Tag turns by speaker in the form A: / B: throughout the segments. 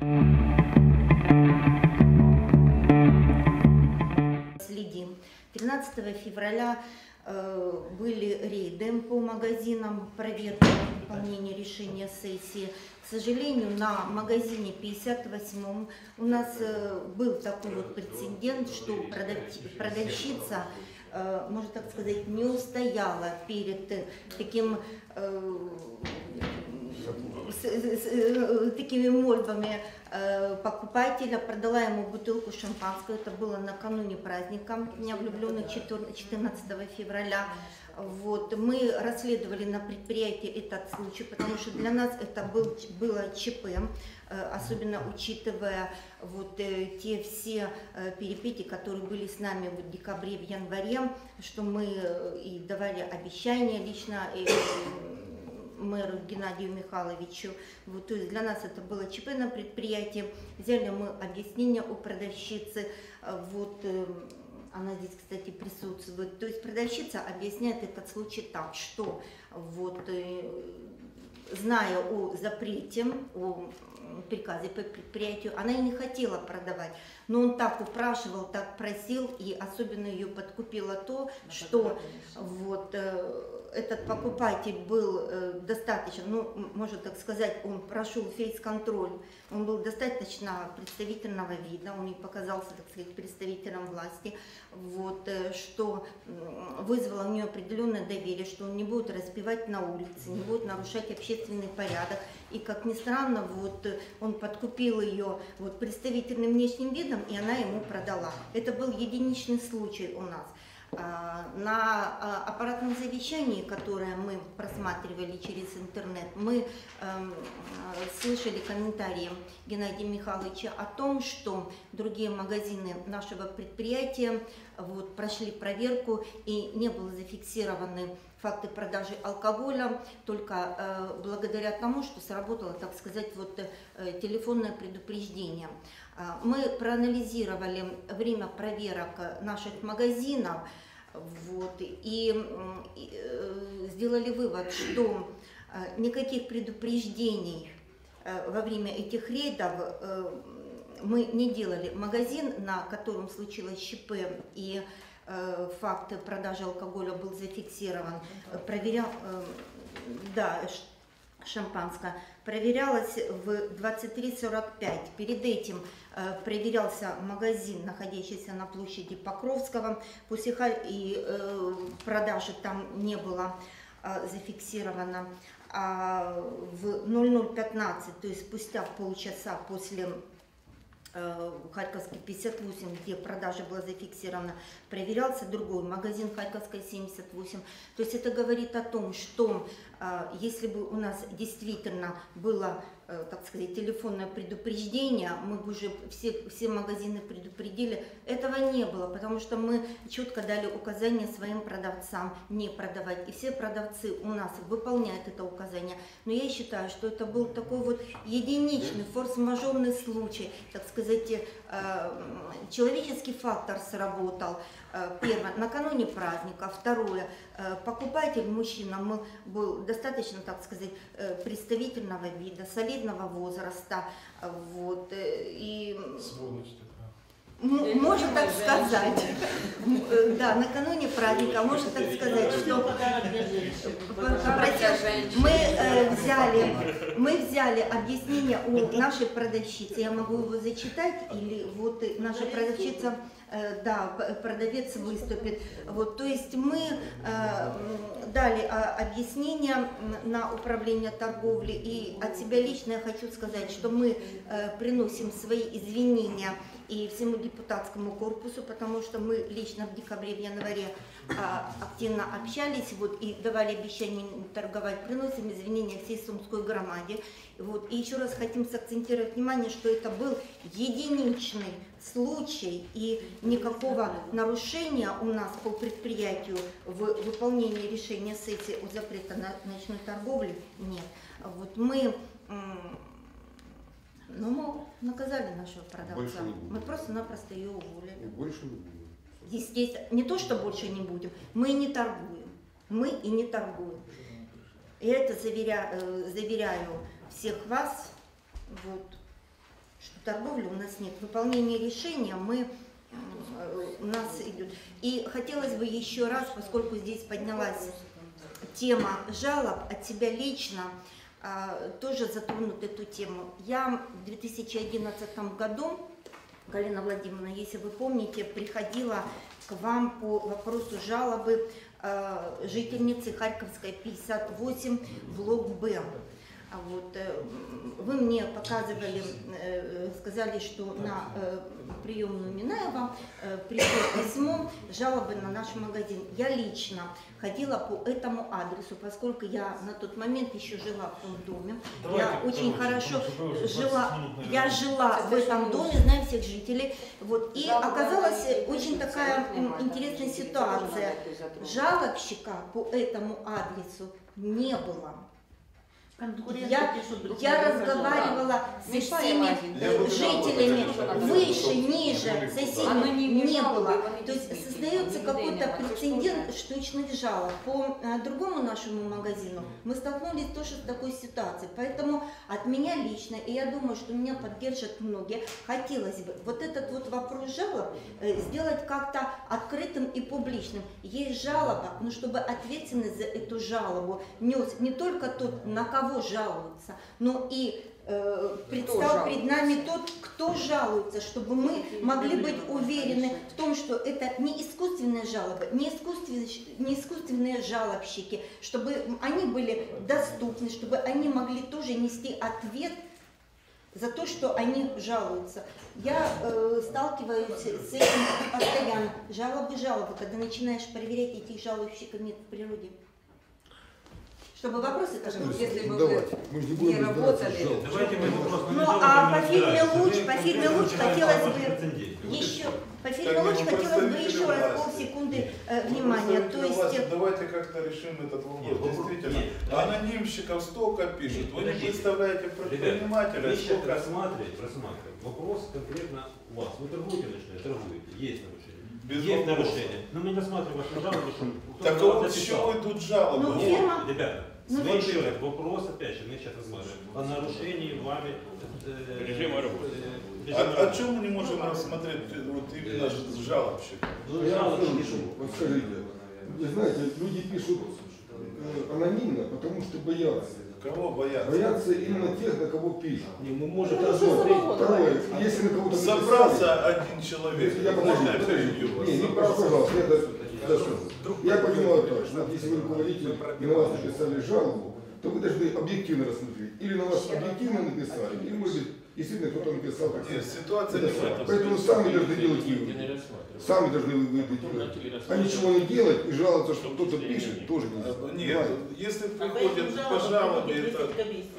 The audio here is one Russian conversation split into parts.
A: Следим. 13 февраля были рейды по магазинам, проверка выполнения решения сессии. К сожалению, на магазине 58 у нас был такой вот прецедент, что продавщица, можно так сказать, не устояла перед такими мольбами покупателя, продала ему бутылку шампанского. Это было накануне праздника Дня влюбленных 14 февраля. Вот. Мы расследовали на предприятии этот случай, потому что для нас это было ЧП, особенно учитывая вот те все перипетии, которые были с нами в декабре, в январе, что мы и давали обещания лично мэру Геннадию Михайловичу. Вот, то есть для нас это было ЧП на предприятии. Взяли мы объяснение у продавщицы. Вот, она здесь, кстати, присутствует. То есть продавщица объясняет этот случай так, что вот, зная о запрете, о приказе по предприятию, она и не хотела продавать. Но он так упрашивал, так просил, и особенно ее подкупило то, что вот этот покупатель был достаточно, ну, можно так сказать, он прошел фейс-контроль, он был достаточно представительного вида, он не показался, так сказать, представителем власти, вот, что вызвало у нее определенное доверие, что он не будет распивать на улице, не будет нарушать общественный порядок. И, как ни странно, вот, он подкупил ее вот, представительным внешним видом, и она ему продала. Это был единичный случай у нас. На аппаратном совещании, которое мы просматривали через интернет, мы слышали комментарии Геннадия Михайловича о том, что другие магазины нашего предприятия вот, прошли проверку и не было зафиксированы факты продажи алкоголя, только благодаря тому, что сработало, так сказать, вот, телефонное предупреждение. Мы проанализировали время проверок наших магазинов вот, и сделали вывод, что никаких предупреждений во время этих рейдов мы не делали. Магазин, на котором случилось ЧП и факт продажи алкоголя был зафиксирован, шампанское проверялось в 23:45. Перед этим проверялся магазин, находящийся на площади Покровского, и продажи там не было зафиксировано. А в 00:15, то есть спустя полчаса после Харьковский 58, где продажа была зафиксирована, проверялся другой магазин Харьковской 78. То есть это говорит о том, что если бы у нас действительно было, так сказать, телефонное предупреждение, мы бы уже все магазины предупредили. Этого не было, потому что мы четко дали указание своим продавцам не продавать. И все продавцы у нас выполняют это указание. Но я считаю, что это был такой вот единичный, форс-мажорный случай, так сказать, человеческий фактор сработал. Первое, накануне праздника. Второе, покупатель, мужчина, был достаточно, так сказать, представительного вида, солидного возраста. Вот, и можно так сказать, да, накануне праздника, можно так сказать, что мы взяли объяснение у нашей продавщицы, я могу его зачитать, или вот наша продавщица, да, продавец выступит. Вот, то есть мы дали объяснение на управление торговли, и от себя лично я хочу сказать, что мы приносим свои извинения и всему депутатскому корпусу, потому что мы лично в декабре, в январе активно общались вот, и давали обещание торговать, приносим извинения всей Сумской громаде. Вот, и еще раз хотим сакцентировать внимание, что это был единичный случай, и никакого нарушения у нас по предприятию в выполнении решения сессии о запрете на ночной торговли нет. Вот мы наказали нашего продавца. Мы просто-напросто ее уволили.
B: Больше не будем.
A: Естественно, не то, что больше не будем, мы не торгуем. Мы и не торгуем. И это заверяю всех вас, вот, торговли у нас нет. Выполнение решения у нас идет. И хотелось бы еще раз, поскольку здесь поднялась тема жалоб, от себя лично тоже затронуть эту тему. Я в 2011 году, Галина Владимировна, если вы помните, приходила к вам по вопросу жалобы жительницы Харьковской 58, блок Б. Вот, вы мне показывали, сказали, что на приемную Минаева пришло письмо жалобы на наш магазин. Я лично ходила по этому адресу, поскольку я на тот момент еще жила в том доме. Я очень хорошо жила в этом доме, знаю всех жителей. Вот, и оказалась очень такая интересная ситуация. Жалобщика по этому адресу не было. Я разговаривала со всеми жителями, выше, ниже, соседей не было. То есть создается какой-то прецедент штучных жалоб. По другому нашему магазину мы столкнулись тоже с такой ситуацией. Поэтому от меня лично, и я думаю, что меня поддержат многие, хотелось бы вот этот вот вопрос жалоб сделать как-то открытым и публичным. Есть жалоба, но чтобы ответственность за эту жалобу нес не только тот, на кого жалуются, но и предстал перед нами тот, кто жалуется, чтобы мы могли быть уверены в том, что это не искусственные жалобы, не искусственные жалобщики, чтобы они были доступны, чтобы они могли тоже нести ответ за то, что они жалуются. Я сталкиваюсь с этим постоянно. Жалобы, когда начинаешь проверять, этих жалобщиков нет в природе. Чтобы вопросы тоже, если бы вы не работали. Ну, а по фирме Луч хотелось бы еще раз полсекунды внимания. То есть
B: давайте как-то решим этот вопрос. Действительно, анонимщиков столько пишут. Вы не представляете предпринимателя, сколько
C: рассматривать. Вопрос конкретно у вас. Вы торгуете, торгуете, есть нарушение.
B: Без
C: есть нарушение. Но мы не рассматриваем вашу жалобу, что
B: так вот с чего идут жалобы?
C: Ребята, еще раз, вопрос, опять же, мы сейчас рассматриваем о нарушении вами
B: режима работы. О чем мы не можем рассмотреть вот именно жалобщик?
D: Вот скажите, вы знаете, люди пишут анонимно, потому что боятся.
B: Кого боятся?
D: Боятся именно тех, на кого пишут.
C: Не, мы можем
D: Второе, если на кого-то
B: собрался один человек,
D: я понимаю так, что если вы руководитель и на вас написали жалобу, то вы должны объективно рассмотреть. Или на вас объективно написали, или, может быть, действительно кто-то написал.
B: Нет, ситуация не в этом.
D: Поэтому сами должны делать выводы. Сами должны выводы делать. А ничего не делать и жаловаться, что кто-то пишет, тоже нельзя.
B: Нет, если приходят по жалобе, это...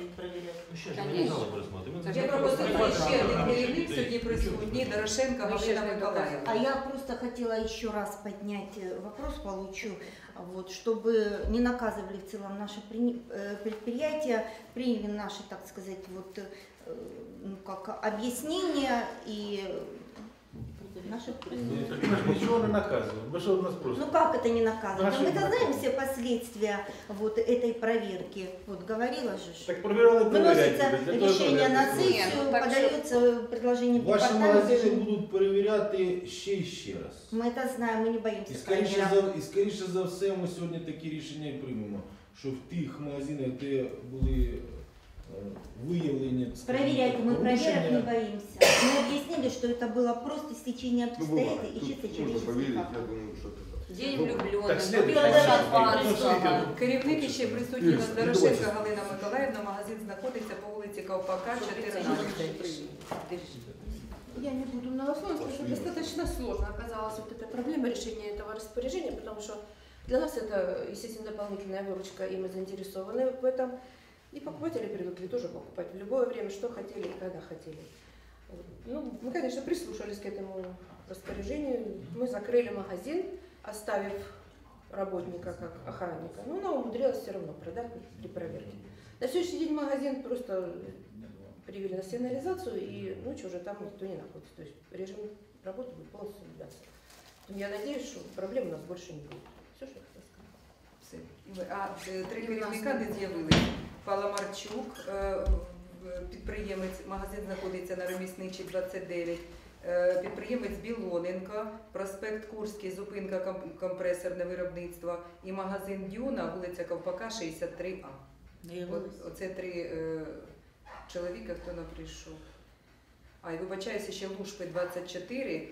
E: Я пропустила ще один керівник сьогодні присутній, Дорошенко Галина Миколаївна.
A: А я просто хотела еще раз поднять вопрос, получу, вот, чтобы не наказывали в целом наши предприятия, приняли наши, так сказать, вот, как объяснения и наши...
F: Ничего не наказываем. Вы что у нас просто?
A: Ну как это не наказывать? Мы знаем все последствия вот этой проверки. Вот говорила же.
F: Так проверяли,
A: выносится решение на сессию, подается предложение
F: Ваші
A: департаменту.
F: магазини будуть перевіряти ще й ще раз.
A: Мы это знаем, мы не боимся.
F: І скоріше за все ми сьогодні такі рішення і приймемо, що в тих магазинах, де були выявление.
A: Проверять мы проверок не боимся. Мы объяснили, что это было просто стечение обстоятельств и чисто человеческий фактор.
E: День влюбленных,
F: Так,
E: попила шампанського. Керівник ще присутній на Дорошенко Галина Миколаївна, магазин знаходиться по вулиці Ковпака, 14.
G: Я не буду многословно, потому что достаточно сложно оказалась вот эта проблема решения этого распоряжения, потому что для нас это, естественно, дополнительная выручка, и мы заинтересованы в этом. И покупатели привыкли тоже покупать в любое время, что хотели и когда хотели. Ну, мы, конечно, прислушались к этому распоряжению. Мы закрыли магазин, оставив работника как охранника. Но она умудрилась все равно продать при проверке. На следующий день магазин просто привели на сигнализацию, и ночью уже там никто не находится. То есть режим работы будет полностью соблюдаться. Я надеюсь, что проблем у нас больше не будет. Все, что я хотела сказать.
E: А три керівника не з'явилися. Паламарчук, підприємець, магазин знаходиться на Ремісничій, 29. Підприємець Білоненко, проспект Курський, зупинка компресорне виробництво і магазин Дюна, вулиця Ковпака, 63А. Оце 3 чоловіка, хто не прийшов. І вибачаюся, ще Лушпи 24,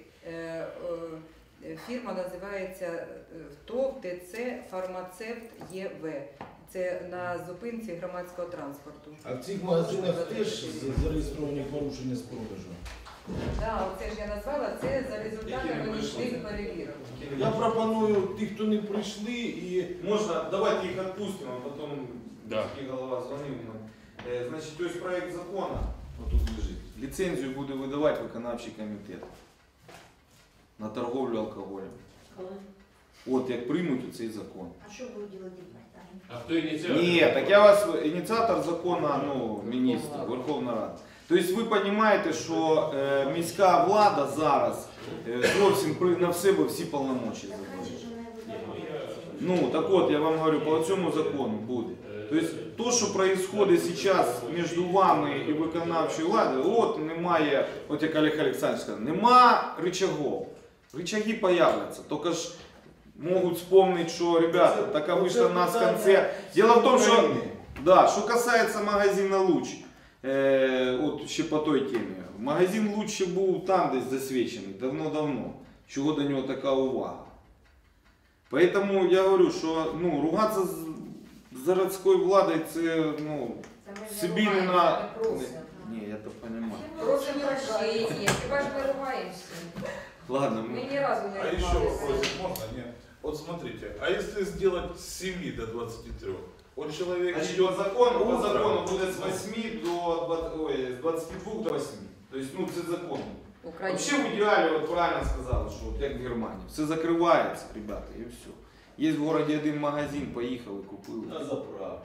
E: фірма називається ТОВ ТЦ Фармацевт ЄВ. Це на зупинці громадського транспорту.
F: А в цих магазинах теж зареєстровані порушення з продажу?
E: Так, оце ж я назвала, це за результатами нічних перевірок.
F: Я пропоную тих, хто не прийшли, і
B: Можно, давайте их отпустим, а потом голова звонил. Значит, то есть проект закона, вот тут лежит, лицензию буде видавати виконавчий комітет на торговлю алкоголем. От як приймуть цей закон.
A: А что будет делать департамент?
C: А кто инициатор?
B: Ні, так я вас, ініціатор закону, міністр, Верховна Рада. Тобто ви розумієте, що міська влада зараз зовсім на себе всі повномочі
A: Так раньше
B: забрала.
A: же она его давала.
B: Ну, так от, я вам говорю, по цьому закону буде. Тобто, то, що відбувається зараз між вами і виконавчою владою, от немає, от як Олег Олександрович сказав, нема рычагов. Рычаги появляться, тільки ж можуть вспомнити, що, ребята, така вийшла в нас в конце. Дело в тому, що, да, що касається магазину «Луч», от ще по той темі, магазин «Луч» ще був там десь засвідчений, давно-давно, чого до нього така увага. Поэтому я говорю, що ругатися з городською владою, це собі не на... Ні, я то розумію.
E: Просимо прощення, хіба ж ми ругаємося?
B: Ладно,
E: Ми ні разу не
B: А
E: ругалися.
B: еще вопрос, можно? Нет. Вот смотрите, а если сделать с 7 до 23? Он человек
H: Значит,
B: идет
H: по закону
B: утром,
H: буде з 8 до 22 до 8. Тобто, це закон.
E: Україна.
B: Вообще в идеале, вот правильно сказали, что вот как в Германии. Все закрывается, ребята, и все. Есть в городе один магазин, поехал и купил.
F: на заправку.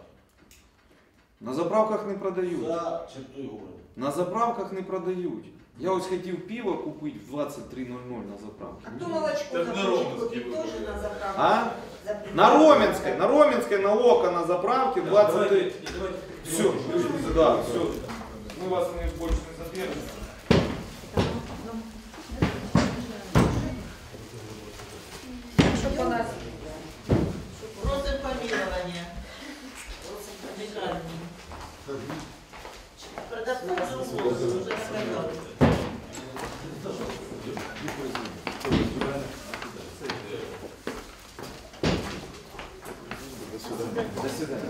B: На заправках не продають.
F: За чертою города.
B: На заправках не продають. Я ось хотів пиво купити в 23:00 на заправці.
A: А то молочко
B: Так на
A: захочет
B: Романской
A: купить тоже на заправку.
B: А?
A: Запретить.
B: На Роменской, на ОКО, на заправке 23. Все, да, все. Мы вас больше не задержим.
E: Що по нас?
I: Просим помилования. Просим помилования. Продавцов уже сказали.
B: До свидания.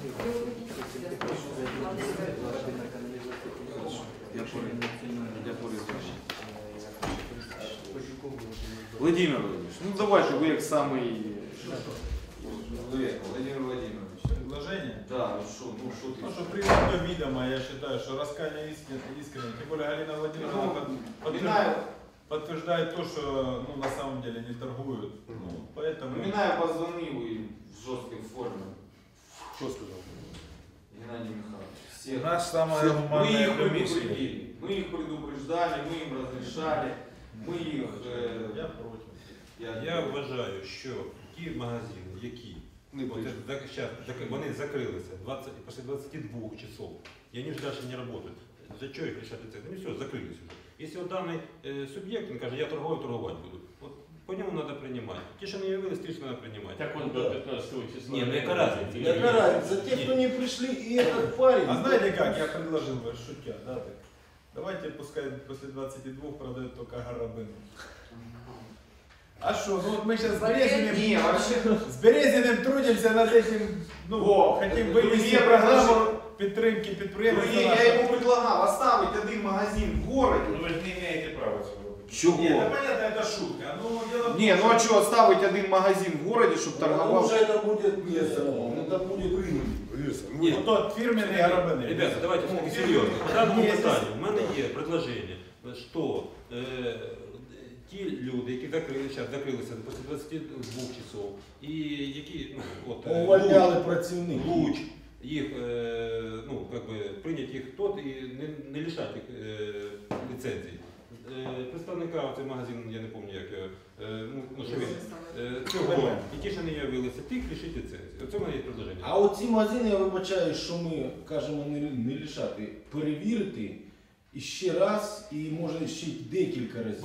B: Владимир Владимирович, ну давайте вы как самый... Владимир Владимирович.
J: Предложение?
B: Да, ну что ты?
J: Ну, что приведено видимо, я считаю, что раскаяние искренне. Тем более Галина Владимировна подтверждает то, что на самом деле не торгуют. Поэтому...
B: Минаев позвонил и в жесткой форме.
F: Що сказав?
B: Геннадий Михайлович.
J: У нас самая гуманная комиссия.
B: Мы их предупреждали, мы им разрешали, мы их...
J: Я против.
C: Я вважаю, що ті магазини, які вони закрилися після 22 часов, і вони ж далі не працюють. За що їх лишати це? Вони все, закрилися вже. Якщо даний суб'єкт, він каже, я торгувати буду, от по ньому треба приймати. Ті, що не явились, ті, що треба приймати.
H: Так он до 15 числа.
C: Ні, ну яка разниця?
F: Яка разница? Те, кто не пришли, и этот парень.
J: А знаете как, я предложил бы, шутя, да, так. Давайте пускай после 22 продают только Гарабин. А что, ну вот мы сейчас с Березиным,
B: Не, вообще...
J: с Березиным трудимся над этим, хотим вывести
B: мне
J: программу підтримки підприємства.
B: Я ему предлагал оставить один магазин в городе.
H: Ну вы же не имеете права цього робити.
B: Чего?
J: Нет, ну понятно, это шутка. Ну, дело в том,
B: Не, ну а что, оставить один магазин в городе, чтобы
D: Потому
B: торговал?
D: что это будет место, это будет рынок.
J: ну, тот фирменный Гарабин.
C: Ребята, давайте все-таки серйозно. По даному питанню в мене є предложення, що ті люди, які закрилися після 22 часов, і які
F: Увольняли працівників.
C: Луч, їх, прийняти їх тот і не лишати їх ліцензії. представника, цей магазин, я не пам'ятаю як його, ну, що він, цього, і ті, що не явилися, тих лишить ліцензії. Оце в мене є предложення.
F: А оці магазини, я вибачаю, що ми кажемо не лишати, перевірити і ще раз, і може ще декілька разів.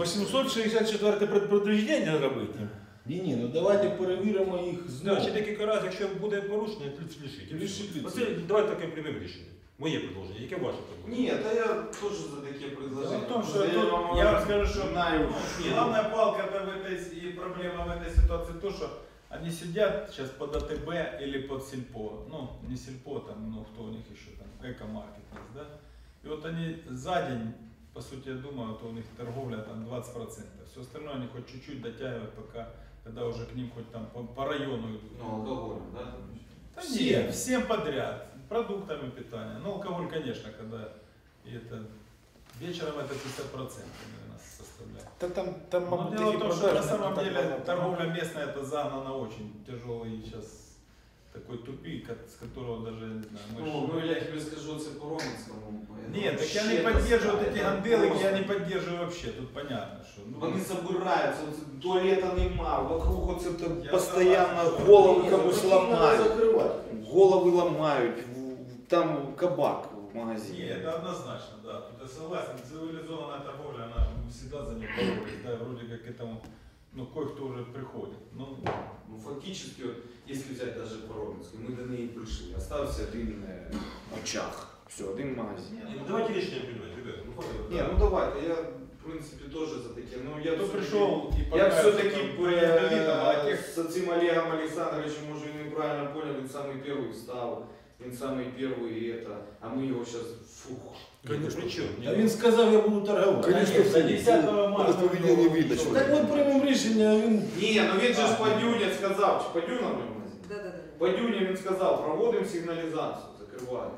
J: 864 предупреждення робити.
F: Ні, ну давайте перевіримо їх знову.
C: Ще декілька разів, якщо буде порушення, лишить.
F: Лишить.
C: Оце давайте таке приймемо рішення. Моє предложення. Яке ваше предложення?
H: Нет, а я тоже за такие предложения.
J: Дело в том, что
H: Просто
J: тут,
H: вам
J: я вам скажу, что
H: знаю.
J: главная палка в этой, и проблема в этой ситуации то, что они сидят сейчас под АТБ или под Сельпо. Ну, не Сельпо, там, ну, кто у них еще там, Эко-маркет есть, да? И вот они за день, по сути, я думаю, то у них торговля там 20%. Все остальное они хоть чуть-чуть дотягивают, пока, когда уже к ним хоть там по району идут.
H: Ну, алкоголь, да?
J: Да нет, всем подряд, продуктами питания. Ну, алкоголь, конечно, когда и это вечером это 50% наверное, составляет.
F: Да там
J: Но дело в том, что на самом деле торговля местная это загнана очень тяжелый сейчас такой тупик, с которого даже, не знаю,
H: Ну, я тебе скажу, это по Романскому.
J: Нет, так я не поддерживаю эти ганделы, я не поддерживаю вообще, тут понятно, что...
B: Вони забираються, туалета нема, вокруг оце
J: Я
B: постійно
J: согласен,
B: голови
F: що
B: комусь
F: їх треба
B: ламають.
F: закривати.
B: Голови ламають, там кабак в
J: Не,
B: магазині.
J: это однозначно, да, тут я согласен, цивилизованная торговля, она всегда за нее боролась, да, вроде как к этому, ну, кое-кто уже приходит, ну,
H: Ну, фактически, вот, если взять даже по Романской, мы до ней пришли. Остався один
B: Очах. Все, один магазин.
C: Ну, давайте рішення приймати, ребята. Ну, хватит.
H: Не, ну давайте, я в принципе тоже за такие. Ну, я
J: кто
H: всё-таки-
J: пришел и
H: Я
J: покажет,
H: все-таки
J: там, неодолитого, а тех
H: с этим Олегом Александровичем, может, и неправильно понял, он самый первый встал, он самый первый и это, а мы его сейчас, фух.
C: Конечно. При чому?
F: А він сказав, я буду торгувати.
D: Конечно,
J: до 10 марта.
D: по поведению видно, что
F: Так ми приймемо рішення, він...
H: Не, ну він же ж Падюня сказав, чи Падюна в ньому магазин?
E: Да-да-да.
H: Падюня він сказав, проводимо сигналізацію, закриваємо.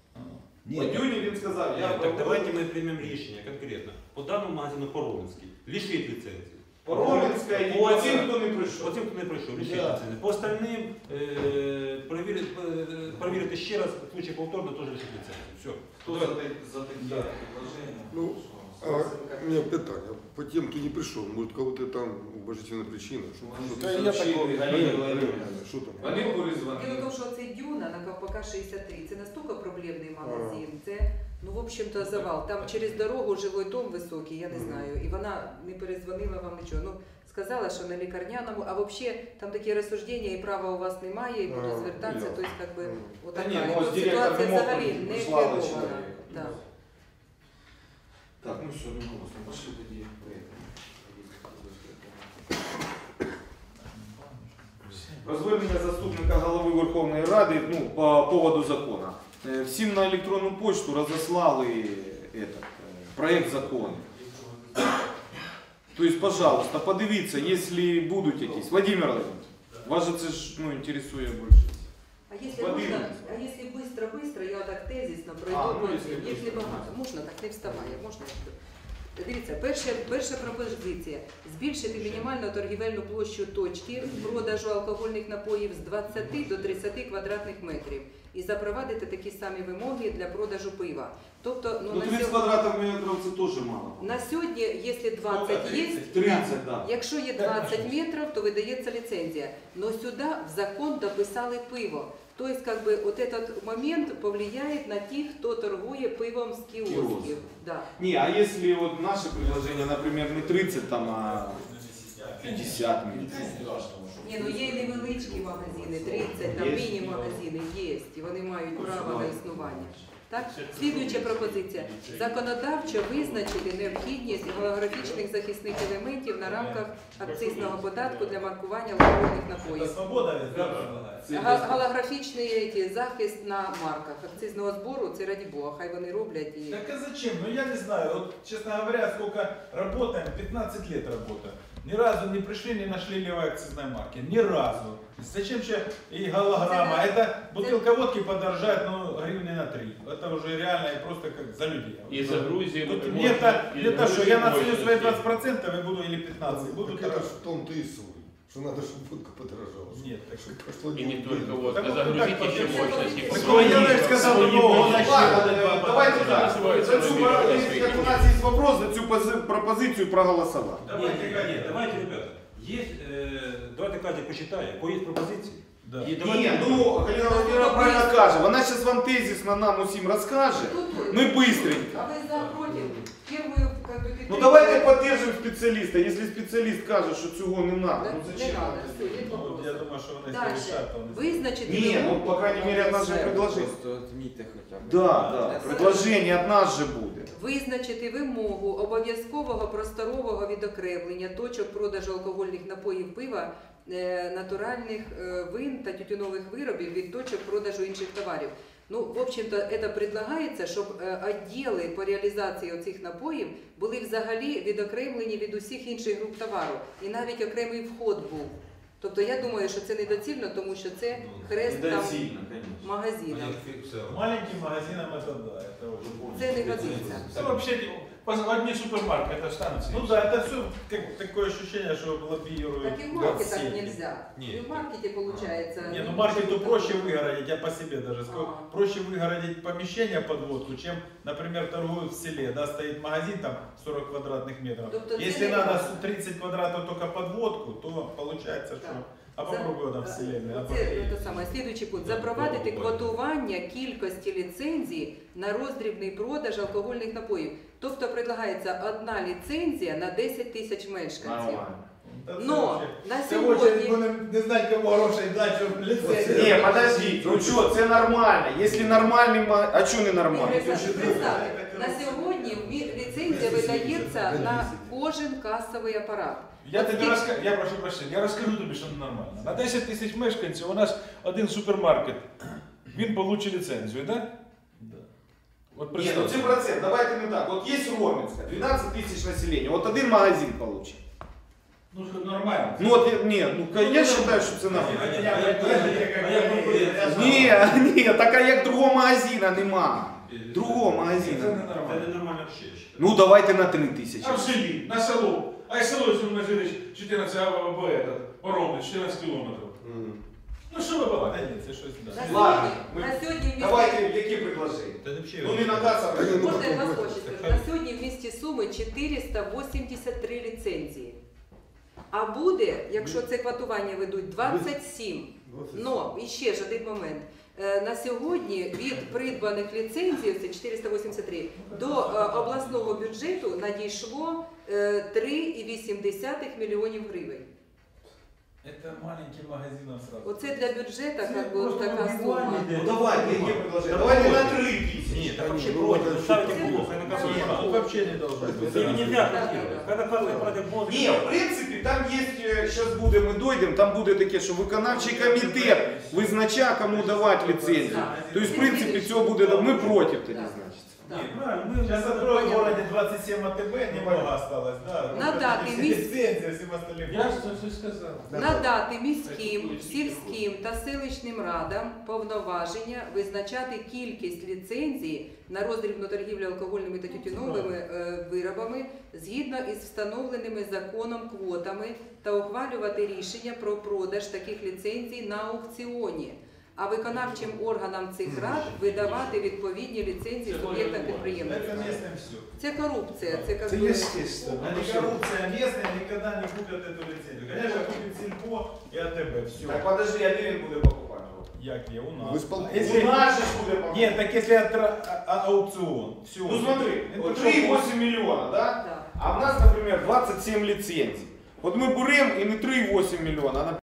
H: Падюня він сказав, я
C: Так
H: проводжу.
C: давайте ми приймемо рішення конкретно. По даному магазину По-Романській лишить ліцензії.
H: По-Романська і по цим, хто не прийшов.
C: По тим, хто не прийшов, лишить
F: Да.
C: ліцензії. По остальним перевірити ще раз, в случае повторно теж лишить ліцензію. Все.
H: Хто за такі предложення?
D: Ну, у меня питание. По тем, кто не пришел, может, у кого-то там уважительная причина?
B: Та я такого
D: Что там?
H: Вони
E: Діло в
H: перезвонили.
E: тому, що цей Дюна на Ковпака 63, це настільки проблемний магазин, це, ну, в общем-то, завал. Там через дорогу жилой дом високий, я не знаю, і вона не перезвонила вам нічого. Ну, сказала, що на лікарняному, а взагалі там такі розсуждення, і права у вас немає, і будуть звертатися, тобто, як би,
H: Та ні,
E: отака.
H: ну,
E: І
H: ось
E: тут
H: директор
E: ситуація
H: не мог
E: взагалі не
H: прислала
E: керована.
H: чоловіка.
E: Да.
H: Так, ну все, ну голосно, пошли тоді.
B: Про звернення заступника голови Верховної Ради по поводу закону. Всім на електронну почту розослали проект закону. То есть, пожалуйста, подивіться, если будуть якісь. Владимир Владимирович, вас же це ж інтересує більше.
E: А если можно, а если быстро, я так тезисно пройду, їх небагато. Можна так, не вставає, можна. Дивіться, перша пропозиція. Збільшити мінімальну торгівельну площу точки продажу алкогольних напоїв з 20 до 30 квадратних метрів і запровадити такі самі вимоги для продажу пива. Тобто,
B: Ну 30 квадратів метрів це теж мало.
E: на сьогодні, якщо 20 є,
B: 30, да.
E: якщо є 20 метрів, то видається ліцензія. Но сюди в закон дописали пиво. То есть, как бы, вот этот момент повлияет на тех, кто торгує пивом з кіосків. Да.
B: Не, а если вот наше предложение, например, не 30, там, а 50 метрів.
E: Ні, ну є і невеличкі магазини, 30, там міні-магазини є, і вони мають право на існування. Так? Слідуюча пропозиція. Законодавчо визначити необхідність голографічних захисних елементів на рамках акцизного податку для маркування алкогольних напоїв.
J: свобода ведь, да, предлагает?
E: Голографічний захист на марках акцизного збору, це раді Бога, хай вони роблять. І...
J: Так а зачем? Ну я не знаю, вот честно говоря, сколько работаем, 15 лет работаем. Ни разу не пришли, не нашли левой акцизной марки. Ни разу. Зачем еще и голограмма? Это бутылка водки подорожает, ну, гривны на 3. Это уже реально и просто как за людей.
K: И за Грузию.
J: Тут не то, что я нацелю свои 20% и буду или 15%. Буду
D: Так это ж в том-то и суть. что надо, чтобы водка подорожала.
J: Нет, так
D: Чтобы прошло
K: И не
D: день.
K: только вот,
J: Так вот
K: загрузить
J: так
K: еще
J: вот,
K: мощности.
J: так
K: Свои-
J: Иванович сказал,
K: свои
J: ну,
K: мощности.
B: Ладно, давайте так.
K: Називають
B: За цю,
K: своїми мощностями.
B: як у нас є вопрос, за цю пропозицію проголосувати.
C: Давайте, ребята, есть, давайте Катя посчитает, кое есть пропозиции.
J: Да.
C: И
B: Ні,
C: давайте,
B: ну Галина Володимировна правильно каже. Вона зараз вам тезисно нам усім розкаже. Ми быстренько.
E: А вы за против? Первую, как бы,
B: Ну давайте поддержим специалиста. Если специалист каже, що цього не надо, ну
E: Не
B: зачем?
E: надо, все, нет
J: Ну,
E: вопросов.
J: я думаю, что вони
E: Дальше.
J: решат.
E: Визначити
B: Не, ну
E: вимогу-
B: по крайней мере от нас же предложение.
H: Отмітьте хоча б.
B: Да, предложение от нас же буде.
E: Визначити вимогу обов'язкового просторового відокремлення точок продажу алкогольних напоїв пива, натуральних вин та тютюнових виробів від точок продажу інших товарів. Ну, в общем-то, це предлагається, щоб відділи по реалізації оцих напоїв були взагалі відокремлені від усіх інших груп товару. І навіть окремий вход був. Тобто я думаю, що це недоцільно, тому що це хрест там магазинів.
J: Маленьким магазинам это да, это очень.
E: Це не годиться.
L: Это вообще одни супермаркеты останутся.
J: Ну да, это все такое ощущение, что лоббируют.
E: Так и в маркетах
J: все.
E: нельзя.
C: Нет.
E: И в маркете получается.
J: Не, ну маркету проще выгородить, я по себе даже скажу. Проще выгородить помещение под водку, чем, например, торгуют в селе, да, стоит магазин там 40 квадратных метров.
E: Тобто це
J: Если
E: не
J: надо
E: важно.
J: 30 квадратов только под водку, то получается, что... А попробуй там в селе.
E: Це саме. Слідуючий пункт. Запровадити квотування кількості ліцензій на роздрібний продаж алкогольних напоїв. Тобто предлагається одна ліцензія на 10 тисяч мешканців. Но на сьогодні...
L: не знати, кому грошей дати, щоб ліцензію.
B: Не, подожди, ну что, це нормально. Если нормальный, а что не нормально?
E: Представте, на сьогодні ліцензія видається на кожен касовий апарат.
L: Я тобі розкажу, я прошу прощення, я розкажу тобі, що ненормально. На 10 тисяч мешканців у нас один супермаркет, він получить ліцензію, так?
J: Да.
L: От
B: Не, ну
L: представте.
B: 7%, давайте не так. Вот есть Роменска, 12 тысяч населения, вот один магазин получит.
L: Ну, що нормально.
B: Ну вот, не, ну я считаю, что це нормально.
L: Ні.
B: Ні, так а як другого магазина нема. Другого
L: Це
B: магазина.
L: ненормально.
C: это нормально вообще, я считаю.
B: Ну давайте на 3 тисячі.
L: А в селі, на село. А й село, якщо ми жили 14, Ровно, 14 кілометрів. Ну що ви
J: Да
L: балакаєте?
J: нет, это что-то да.
E: На
B: Ладно,
E: сьогодні, на сьогодні в місті...
B: Давайте, які предложення?
C: Это вообще...
B: Ну не на касах.
E: Можна я вас хоче скажу? На сьогодні в місті Суми 483 ліцензії. А буде, якщо це квотування ведуть, 27. Но, і ще ж один момент. На сьогодні від придбаних ліцензій, це 483, до обласного бюджету надійшло 3,8 мільйонів гривень.
J: Это маленьким магазинам сразу.
E: Оце для бюджету як би, така сума.
B: Ну давайте, які предложення? Давайте на 3 тисячі.
C: Нет, так вообще против. Ставите плохо, и на кассовый
J: Нет,
C: аппарат.
J: тут вообще не должно быть.
C: Это нельзя квотировать. Когда кассовый аппарат будет...
B: Ні, в принципі, там є, зараз буде, ми дойдемо, там буде таке, що виконавчий комітет визначає, кому давати ліцензію. Тобто, в принципі, цього буде, ми проти тоді, значить.
E: Да.
J: Правильно, мы сейчас откроем в городе 27 АТБ, немного осталось, да.
E: Надати
J: Лицензия, всем остальным.
L: Я ж це все сказав.
E: Надати міським, сільським та селищним радам повноваження визначати кількість ліцензій на роздрібну торгівлю алкогольними та тютюновими виробами згідно із встановленими законом квотами та ухвалювати рішення про продаж таких ліцензій на аукціоні. А виконавчим органам цих рад видавати відповідні ліцензії суб'єктам підприємництва.
J: Это местным все.
E: Це корупція, це як
L: Це
E: би...
L: естественно.
J: Они коррупция местная, никогда не купят эту лицензию. Конечно, купит Сельпо и АТБ, все.
B: Так, подожди, а де він буде покупати?
J: Як є у
D: В
J: нас?
D: исполкоме.
J: Если...
B: У нас же ж буде покупати.
J: Нет, так если аукцион, все.
B: Ну смотри,
J: Это
B: вот
J: что,
B: 3,8 миллиона, да?
E: Да.
B: А в нас, например, 27 лицензий. Вот мы берем и не 3,8 миллиона, а